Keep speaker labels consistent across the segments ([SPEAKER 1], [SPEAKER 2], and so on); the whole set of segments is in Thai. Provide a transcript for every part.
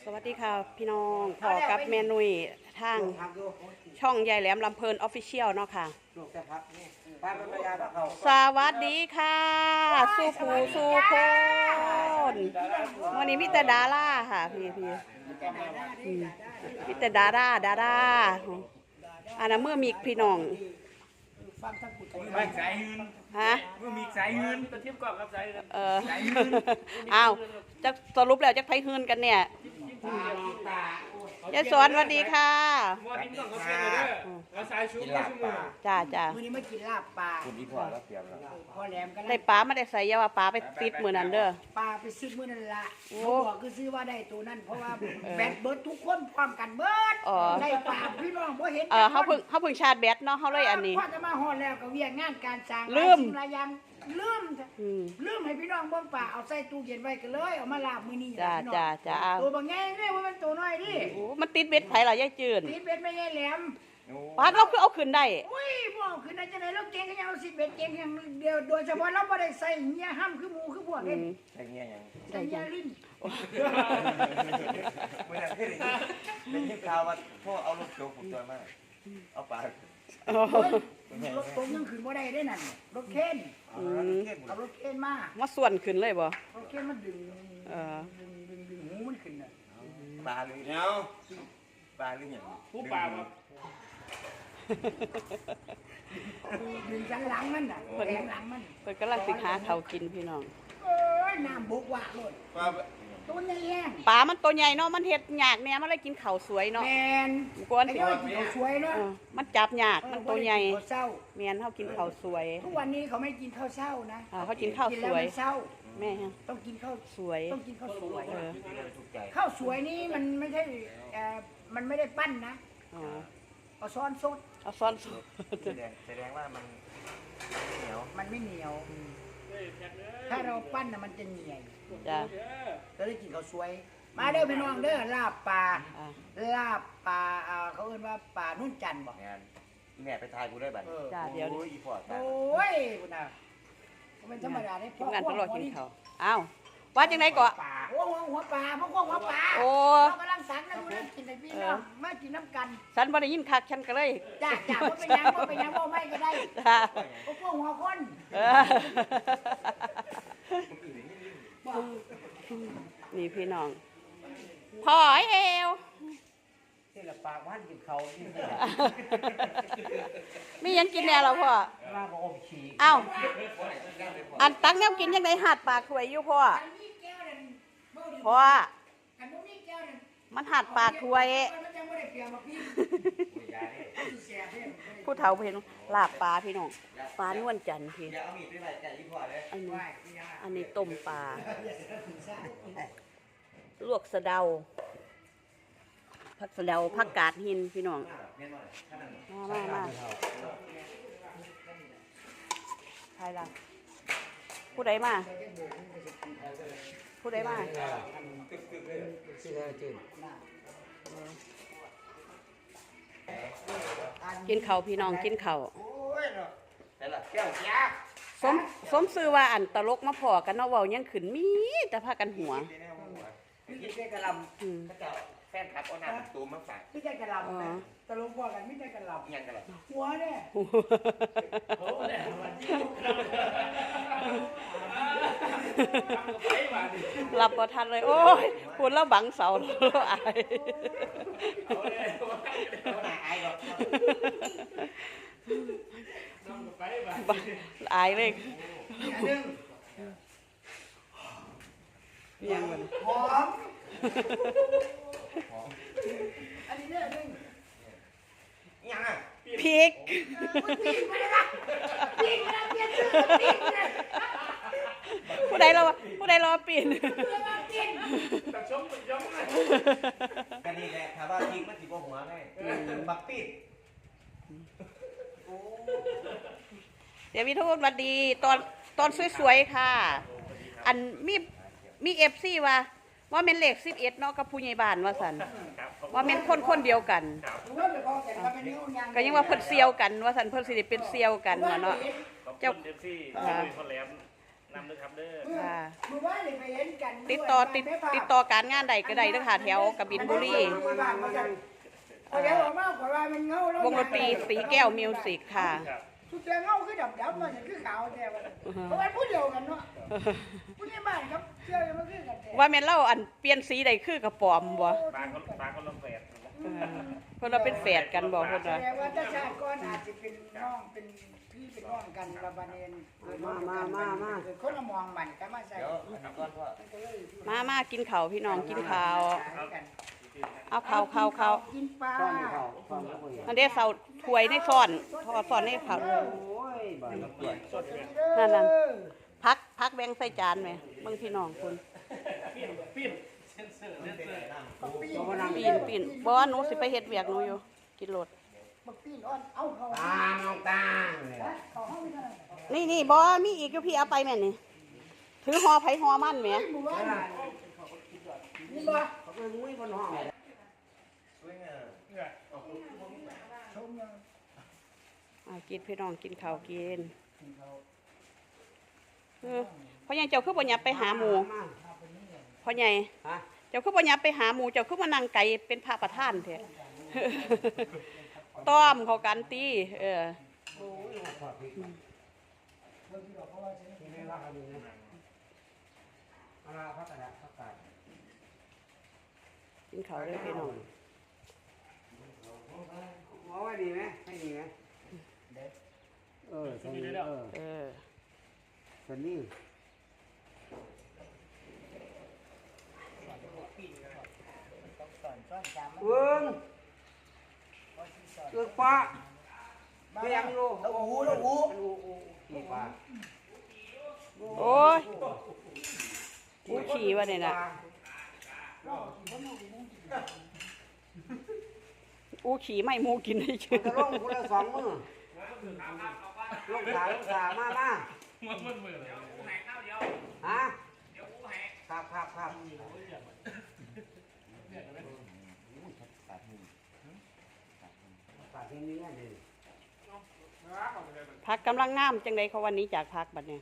[SPEAKER 1] วัสดีค่ะพี่น้องพอกับแม่นุ้ยทางช่องยายแหลมลำเพลินออฟฟิเชียลเนาะค่ะสวัสดีค่ะสู้ผู้สู้คนวันนี้มีแต่ดาราค่ะพี่มีแต่ดาราอันนั้นเมื่อมีพี่น้อง
[SPEAKER 2] ไม่สายหืน
[SPEAKER 1] ฮะ
[SPEAKER 2] เมื่อมีสายหืนตะทิพย์ก่อนครับสายหืน
[SPEAKER 1] อ้าวจะสรุปแล้วจะไปหืนกันเนี่ยยายสอนสวัสดีค่ะจ้า
[SPEAKER 3] มื้อนี้มากินลาบปลา
[SPEAKER 2] คุณอีพ่อแล้วเตรียมแล้ว
[SPEAKER 3] พ่อแหลมกัน
[SPEAKER 1] ได้ปลาไม่ได้ใส่ยาว่าปลาไปติดมือนั่นเด้อ
[SPEAKER 3] ปลาไปซื้อมื้อนั่นละเขาบอกคือซื้อว่าได้ตัวนั้นเพราะว่าแบตเบิดทุกคนพร้อมกันเบิดได้ปลาพี่น้องบ่เห็น
[SPEAKER 1] เขาเพิ่งชาร์จแบตเนาะเขาเลยอันนี้
[SPEAKER 3] พอจะมาฮอดแล้วก็เวียงงานการสร้าง
[SPEAKER 1] ลืม
[SPEAKER 3] หลายอย่างลืมให้พี่น้องเบิ่งปลาเอาใส่ตู้เย็นไว้กันเลยเอามาลาบมื้อนี้
[SPEAKER 1] จ้า
[SPEAKER 3] ตัวบางแง่เนี่ยว่ามันตัวน้อยดิ
[SPEAKER 1] มันติดเบ็ดไผล่ะยายจืน
[SPEAKER 3] ติดเบ็ดไม่ใช่แหลม
[SPEAKER 1] ปลาเราคือเอาขึ้นได้
[SPEAKER 3] อุ้ยบ่เอาขึ้นได้จังได๋เราเก่งแค่เอา10เบ็ดเก่งอย่างเดียวโดยเฉพาะเราบ่ได้ใส่เหี้ยห้ำคือหมูคือพวกนี้
[SPEAKER 2] ใส่เงี้ยยัง
[SPEAKER 3] ใส่เหี้ยลิ้น
[SPEAKER 2] เมื่อไหร่ได้ยินข่าวว่าพ่อเอารถโจกผมตัวมากเอาปลาร
[SPEAKER 3] ถตรงยังขึ้นบ่ได้ได้นั่นรถเข็นเอารถเข็นมา
[SPEAKER 1] ส่วนขึ้นเลยบ่
[SPEAKER 3] รถเข็นมันดึงหูมันขึ้นน่ะ
[SPEAKER 2] ปลาหรือเนาะปลาหรือหยังผู้ปลาครับ
[SPEAKER 3] ดึงสันหลังมันน่ะแรงหลังมัน
[SPEAKER 1] เพิ่นกำลังสิหาข้าวกินพี่น้อง
[SPEAKER 3] เอ้ยน้ำบุกว่ะโลดตัวใหญ่แห้ง
[SPEAKER 1] ปลามันตัวใหญ่เนาะมันเฮ็ดยากแน่มันเลยกินข้าวสวยเนาะ
[SPEAKER 3] แม่น
[SPEAKER 1] กวน
[SPEAKER 3] สิกินข้าวสวยเนาะ
[SPEAKER 1] มันจับยากมันตัวใหญ่
[SPEAKER 3] แม่
[SPEAKER 1] นเฮากินข้าวสวย
[SPEAKER 3] ทุกวันนี้เขาไม่กินข้าวเช้านะ
[SPEAKER 1] เขากินข้าวสวยแม่
[SPEAKER 3] ต้องกินข้าว
[SPEAKER 1] สวย
[SPEAKER 3] ต้องกินข้าวสวยข้าวสวยนี่มันไม่ใช่มันไม่ได้ปั้นนะเอาซ้อนสด
[SPEAKER 1] เอาซ้อนสด
[SPEAKER 2] แสดงว่ามันเหนียว
[SPEAKER 3] มันไม่เหนียวถ้าเราปั้นน่ะมันจะเหนียว
[SPEAKER 1] จ้ะ
[SPEAKER 3] ก็เลยกินข้าวสวยมาเด้อพี่น้องเด้อลาบปลาเขาเรียกว่าปลานุ่นจันทร์บอก
[SPEAKER 2] แม่ไปทายกูได้บัด
[SPEAKER 1] จ้าเดี๋ยว
[SPEAKER 2] อีพอร์ต
[SPEAKER 3] โอ้ยคุณน่ะมันธรรมดาได้
[SPEAKER 1] พวกงานพวกเรากินข้าวอ้าวว่าจังไหนก่อน
[SPEAKER 3] หัวปลาพวกหัวปลา
[SPEAKER 1] โอ้
[SPEAKER 3] เรากำลังสั่งนะคุณกินในพี่น้องมากินน้ำกัน
[SPEAKER 1] ฉันบ่ได้ยินคักฉันก็เลย
[SPEAKER 3] จ้าว่าเป็นยังบ่ไม่ก็ได้พวกหัวคน
[SPEAKER 1] นี่พี่น้องพ่อเอว
[SPEAKER 3] นี่แหละปากว่านกินเขา
[SPEAKER 1] มียังกินแน่เราพ่ออ้าวอันตั้งแนวกินยังไงหัดปากถวยอยู่พ่อมันหัดปากถวยผู้เฒ่าเห็นลาบปลาพี่น้องปลานวลจันทร์พี่อันนี้ต้มปลาลวกสะเดาผักสะเดาผักกาดหินพี่น้องมาใครล่ะผู้ใดมากินข้าวพี่น้องกินข้าวสมซื้อว่าอันตลกมาพอกันเนาะเว้ายังขึ้นมีแต่พากันหัว
[SPEAKER 3] พี่แกกระลำ
[SPEAKER 2] แฟนคลับเอาหน้าตูมมาฝาก
[SPEAKER 3] พี่แกกระลำตลกพอกันพี่แกกระลำ
[SPEAKER 2] ยังกระล
[SPEAKER 3] ำหัวเนี่ย
[SPEAKER 1] หลับพอทันเลยโอ้ยพูดแล้วบังเสาแล้วอายอายเลยยังมัน
[SPEAKER 3] หอมอันนี้เนี่ยนึง
[SPEAKER 2] ยังอ่ะ
[SPEAKER 1] พริกผู้ใดรอปีน
[SPEAKER 2] กันนี่แหละถามว่าพริกมันสิบ่หัวไงบักปีด
[SPEAKER 1] เดี๋ยวพี่ทุกคนสวัสดีตอนสวยๆค่ะอันมีFCว่าเป็นเลข11เนาะกับผู้ใหญ่บ้านว่าซั่นว่าเป็นคนเดียวกันก็ยังว่าเพิ่นเซียวกันว่าซั่นเพิ่นสิได้เป็นเซียวกันเนาะ
[SPEAKER 4] เจ้าFCคนแหลมนำด้วยครับเด้อ
[SPEAKER 1] ค่ะ
[SPEAKER 3] เมื่อวานเลยไปเห็นกัน
[SPEAKER 1] ติดต่อการงานใดก็ได้เด้อค่ะแถวกบินบุรี
[SPEAKER 3] เอาเดี๋ยวออกมากกว่ามันเงาว
[SPEAKER 1] งดนตรีสีแก้วมิวสิกค่ะ
[SPEAKER 4] ครับ
[SPEAKER 3] สุดแต่เงาคือดับมันคือขาวแต่ว่าเพราะว่าพูดเดียวกันเนาะพูดในบ้านครับเชื่อมันคือกันแต่
[SPEAKER 1] ว่าแม่นเล่าอันเปลี่ยนสีใดคือกระป๋อมบ่
[SPEAKER 4] ปลาเขาลงแฝด
[SPEAKER 1] เพิ่นว่าเป็นแฝดกันบ่เพิ่น
[SPEAKER 3] แส
[SPEAKER 1] ว่า
[SPEAKER 3] ดงว่าถ้าชาติก่อนอาจจะเป็นน้องเป็นพี่เป็นน้องกันระบาเนนคนละมองมันก็มาใส่
[SPEAKER 2] เดี๋ยวอันนี้ก่อนพ่อ
[SPEAKER 1] มากินข้าวพี่น้องกินข้าว
[SPEAKER 3] กัน
[SPEAKER 1] เอาข้าว
[SPEAKER 3] กินปลา
[SPEAKER 1] อันเด้เซาถ้วยในซ่อนทอดซ่อนในข้าวนั่นพักแบ่งใส่จานแม่เบิ่งพี่น้องคุณ
[SPEAKER 4] ปิ้น
[SPEAKER 1] ปีนบ่ว่าหนูสิไปเฮ็ดเวียกหนูอยู่กินรถ
[SPEAKER 3] บักปีนอ่อนเอาเขา
[SPEAKER 5] ตาน้องตา
[SPEAKER 3] เขาห้องไม่ได้
[SPEAKER 1] นี่บ่มีอีกอยู่พี่เอาไปแม่นี่ถือห่อไผห่อมันแหม
[SPEAKER 3] หมู่บ้านนี่บ่
[SPEAKER 5] เขาเป็นมุ้ยบนห้อง
[SPEAKER 2] สวยงาม
[SPEAKER 3] ชมยัง
[SPEAKER 1] กินพี่น้องกินข้าวกินพ่อใหญ่เจ้าคือบ่หยับไปหาหมู่พ่อใหญ่
[SPEAKER 5] ฮะ
[SPEAKER 1] เจ้าคือบ่หยับไปหาหมู่เจ้าคือมานั่งไกลเป็นพระประธานแท้ ต้อมเขากันตี
[SPEAKER 5] โอ้ยขอดพี่ที่ไม่ว่าเขาดีนะอะไรพักกันละพักกัน
[SPEAKER 1] กินข้าวเลยพี่น้อง
[SPEAKER 5] หมอว่าดีไหมให้ดีไหมสนี่สนี่เอื้องปะเบียงลูก
[SPEAKER 3] แล้วหู
[SPEAKER 5] นี่ปลา
[SPEAKER 1] โอ้ยกูขี่วะเนี่ยน่ะกูขี่ไม่หมูกินได้เชื่อ
[SPEAKER 5] จะลงคนละสองมือลงขามาฮะครับปากที่นี้นี่
[SPEAKER 1] พักกำลังงามจังไดเขาวันนี้จากพักบัดเนี่ย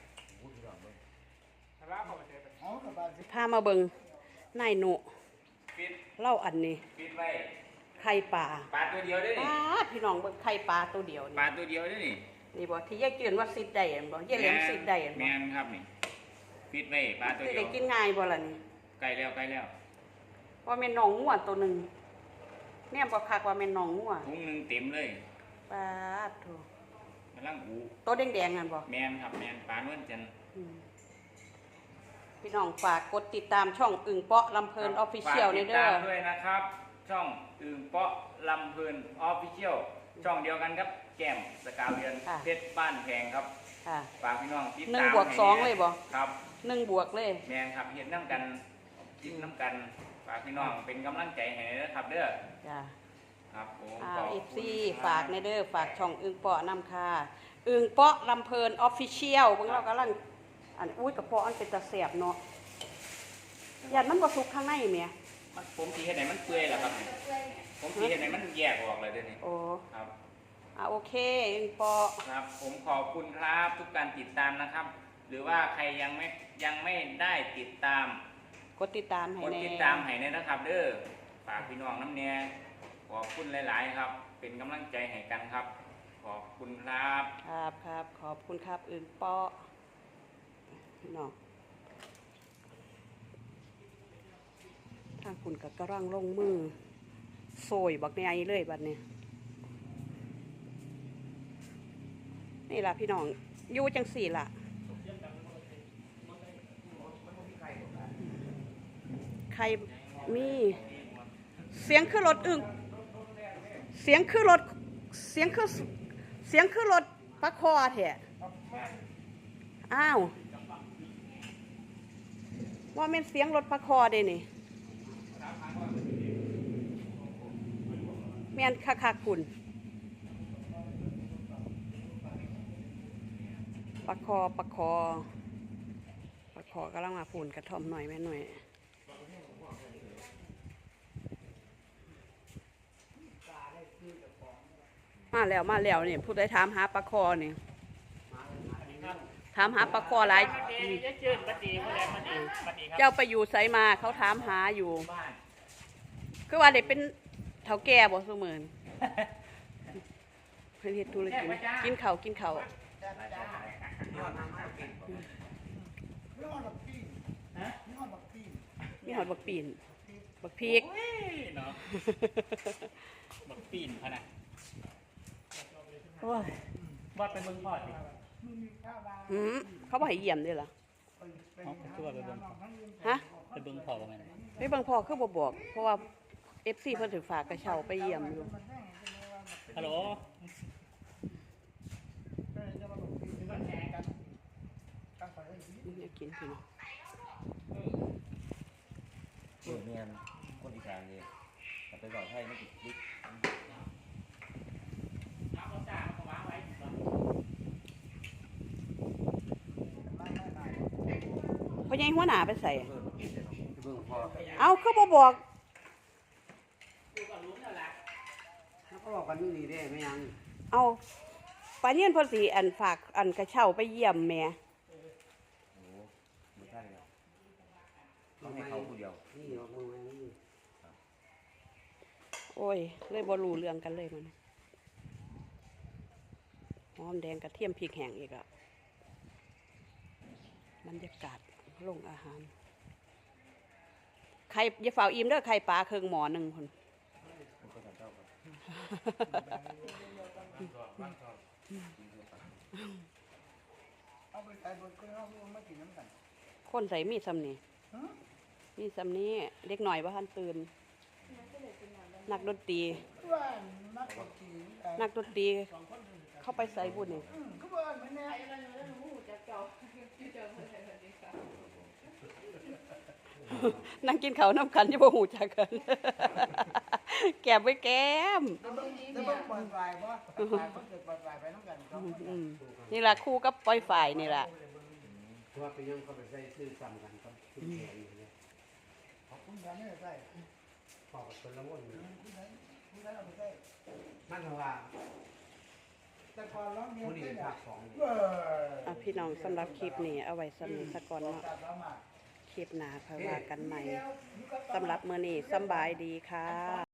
[SPEAKER 3] เอากับบ้าน
[SPEAKER 1] พามาเบิ่งนายหนุ
[SPEAKER 4] ปิด
[SPEAKER 1] เล่าอันนี้
[SPEAKER 4] ปิดไว้
[SPEAKER 1] ไข่ปลา
[SPEAKER 4] ปลาตัวเดียวได้
[SPEAKER 1] ป
[SPEAKER 4] นี่
[SPEAKER 1] ลาพี่น้องเบิ่งไข่ปลาตัวเดียว
[SPEAKER 4] ปลา
[SPEAKER 1] นี่
[SPEAKER 4] ตัวเดียวได้นี่
[SPEAKER 1] นี่บ่ที่ยายจืนว่าซิดได้อันบ่ยายเหลมซิดได้อัน
[SPEAKER 4] แม
[SPEAKER 1] บ่
[SPEAKER 4] นครับนี่ปิดไว้ปลาตัว
[SPEAKER 1] สิ
[SPEAKER 4] เดีย
[SPEAKER 1] ได้
[SPEAKER 4] ว
[SPEAKER 1] กินง่ายบ่ล่ะนี่
[SPEAKER 4] ใกล้แล้ว
[SPEAKER 1] ว่าแม่นน้องงัวตัวหนึงแน่บ่คักว่าแม่นน้องงัว
[SPEAKER 4] ถุงหนึงเต็มเลย
[SPEAKER 1] ปลาโถ
[SPEAKER 4] กำลังอู
[SPEAKER 1] ตัวแดงๆนั่นบ่
[SPEAKER 4] แมนครับแมนปลานวลจันทร์
[SPEAKER 1] อืมพี่น้องฝากกดติดตามช่องอึ่งเปาะลำเพลินออฟฟิเชียล
[SPEAKER 4] ฝาก
[SPEAKER 1] นี่
[SPEAKER 4] ติด
[SPEAKER 1] เด้อ
[SPEAKER 4] ตามด้วยนะครับ ช่องอึ่งเปาะลำเพลินออฟฟิเชียลช่องเดียวกันครับแก้มสกาวเรือนเพชรบ้านแพงครับ
[SPEAKER 1] ค่ะ
[SPEAKER 4] ฝากพี่น้องติด
[SPEAKER 1] หนึ่
[SPEAKER 4] ตาง ม
[SPEAKER 1] บวกสองเลยบ่
[SPEAKER 4] ครับ
[SPEAKER 1] 1 บวกเลย
[SPEAKER 4] แมนครับเห็นน้ำกันกินน้ำกันฝากพี่น้องเป็นกำลังใจให้นะครับเด้อ
[SPEAKER 1] จ้า
[SPEAKER 4] ครับผม
[SPEAKER 1] เอฟซีฝากในเด้อฝากช่องอึ่งเปาะนำค่ะอึ่งเปาะลำเพลินออฟฟิเชียลเบิ่งเรากำลังอันอุ้ยกระเพาะอันเป็นตะแสบเนาะยันมันบ่สุกข้างในแหม
[SPEAKER 4] ผมสีเห็นไหนมันเปื่อยเหรอครับผมสีเห็นไหนมันแยกออกเลยเดี๋ยวนี้
[SPEAKER 1] โอ้
[SPEAKER 4] ครับ
[SPEAKER 1] โอเคอึ่งเปาะ
[SPEAKER 4] ครับผมขอบคุณครับทุกการติดตามนะครับ หรือว่าใครยังไม่ได้ติดตาม
[SPEAKER 1] กดติดตามให้
[SPEAKER 4] กด
[SPEAKER 1] แน่
[SPEAKER 4] ติดตามให้เนี่ยนะครับเด้อฝากพี่น้องน้ำเนียขอบคุณหลาย ๆ ครับ เป็นกำลังใจให้กันครับ ขอบคุณครับ
[SPEAKER 1] ครับขอบคุณครับอึ่งเปาะพี่น้องทางคุณกับกระร่างลงมือโซยบักในไอเลยบัดนี้นี่ล่ะพี่น้องอยู่จังสี่ล่ะใครมีเสียงคือรถอึ่งเสียงคือรถปลาคอแท้อ้าวว่าเป็นเสียงรถปลาคอเด้นี่แม่นคักๆคุณปลาคอกำลังมาพูนกระท่อมหน่อยแม่หน่อยมาแล้วนี่ผู้ใดถามหาปลาคอนี่ถามหาปลาคอหลาย
[SPEAKER 4] บัดดีจะจืดบัดดีผู้ใดบัดดีบัดดีครับ
[SPEAKER 1] เจ้าไปอยู่ไสมาเขาถามหาอยู่
[SPEAKER 4] บ้าน
[SPEAKER 1] คือว่าได้เป็นเฒ่าแก่บ่ซุมื้อนี้เพิ่นเฮ็ดธุรกิจกินข้าวกินข้าว
[SPEAKER 3] จ้าจ้า
[SPEAKER 2] นี่ว่าน้ำมากกิน
[SPEAKER 3] ไม่ฮอดบักปีน
[SPEAKER 4] ฮะ
[SPEAKER 3] ไม่ฮอดบักปีน
[SPEAKER 1] มีหอดบักปีนบักพริก
[SPEAKER 4] โอ้ยเนาะบักปีนพะนะโอ้ยว่าเป็นเบิ่งพอดดิ
[SPEAKER 3] มึงมีข้าวบ้าง
[SPEAKER 1] หืมเขาบ่ให้เยี่ยมเด้อล่ะ
[SPEAKER 3] ไปหาน้องทั้งยืน
[SPEAKER 1] ฮะ
[SPEAKER 4] ไปเบิ่งพอดว่าไง
[SPEAKER 1] ไปเบิ่งพ่อคือบ่บอก เพราะว่า FC เพิ่นถึงฝากกระเช้าไปเยี่ยมอยู่
[SPEAKER 4] ฮัลโหล
[SPEAKER 3] จะมาบอกปีนกันแหกันตั้งไปเลย
[SPEAKER 1] อยากกินพี่น้อง
[SPEAKER 2] เมียนคนอีสานเลยแต่ไปบอกให้ไม่ติดลิก
[SPEAKER 1] พ่อใหญ่หัวหน้าไปใส่
[SPEAKER 2] เบิ่งพอ
[SPEAKER 1] เอาคือบ่บอก
[SPEAKER 5] แล้วก็บอกกันอยู่นี่เด้ไม่ยัง
[SPEAKER 1] เอาปาเนียนเพิ่นสิอันฝากอันกระเช้าไปเยี่ยมแม่
[SPEAKER 2] โอ้ไม่ใช่ครับต้องให้เขาผู้เดียว
[SPEAKER 5] นี่ออกมือมานี่
[SPEAKER 1] โอ้ย เลยบ่รู้เรื่องกันเลยมันหอมแดงกระเทียมพริกแห้งอีกอ่ะบรรยากาศโรงอาหารไข่อย่าฝ่าอิ่มเด้อไข่ปลาเครื่องหมอหนึงพุ่น
[SPEAKER 2] มันก็ทำเจ้าครับ
[SPEAKER 3] เอาไปใส่บนเครื่องเอามากินน้ำกัน
[SPEAKER 1] คนใส่มีดซ้ำนี่
[SPEAKER 3] ฮะ
[SPEAKER 1] มีดซ้ำนี้เด็กหน่อยบ่ทันตื่น นักดนตรี
[SPEAKER 3] ว่านักกิน
[SPEAKER 1] นักดนตรีเข้าไปใส่บุญนี่
[SPEAKER 3] ก็ว่าไม่แน่
[SPEAKER 1] นั่งกินข้าวน้ำกันจะบ่หูจักกัน แก้มไปแก้ม
[SPEAKER 3] จะเบิ่งปล่อยไฟบ่ปล่อยไฟเกิดปล่อยไฟไปน้ำกัน
[SPEAKER 1] อืมนี่ล่ะคู่กับปล่อยฝ่ายนี่ล่ะ
[SPEAKER 5] เพราะว่าไปยังเขาไปใส่ซื้อซ้ำกันกับคุณแขนอยู่เนี่ย
[SPEAKER 3] ขอบคุณครับนี่ใส่
[SPEAKER 5] พอกับคนละวนอยู่
[SPEAKER 3] คุณได้เอาไปใส่
[SPEAKER 5] มันว่า
[SPEAKER 3] แต่ก่อนร้องเมีย
[SPEAKER 5] ผู้นี้
[SPEAKER 3] เต้
[SPEAKER 5] เป็น น
[SPEAKER 3] อ่ะ
[SPEAKER 5] ภาคสอง
[SPEAKER 1] อ่ะพี่น้องสำหรับคลิปนี้เอาไว้สำนี้สักก่อนเนาะ
[SPEAKER 3] ตัดแล้วมา
[SPEAKER 1] คลิปหน้าค่อยว่ากันใหม่สำหรับมื้อนี้สำบายดีค่ะ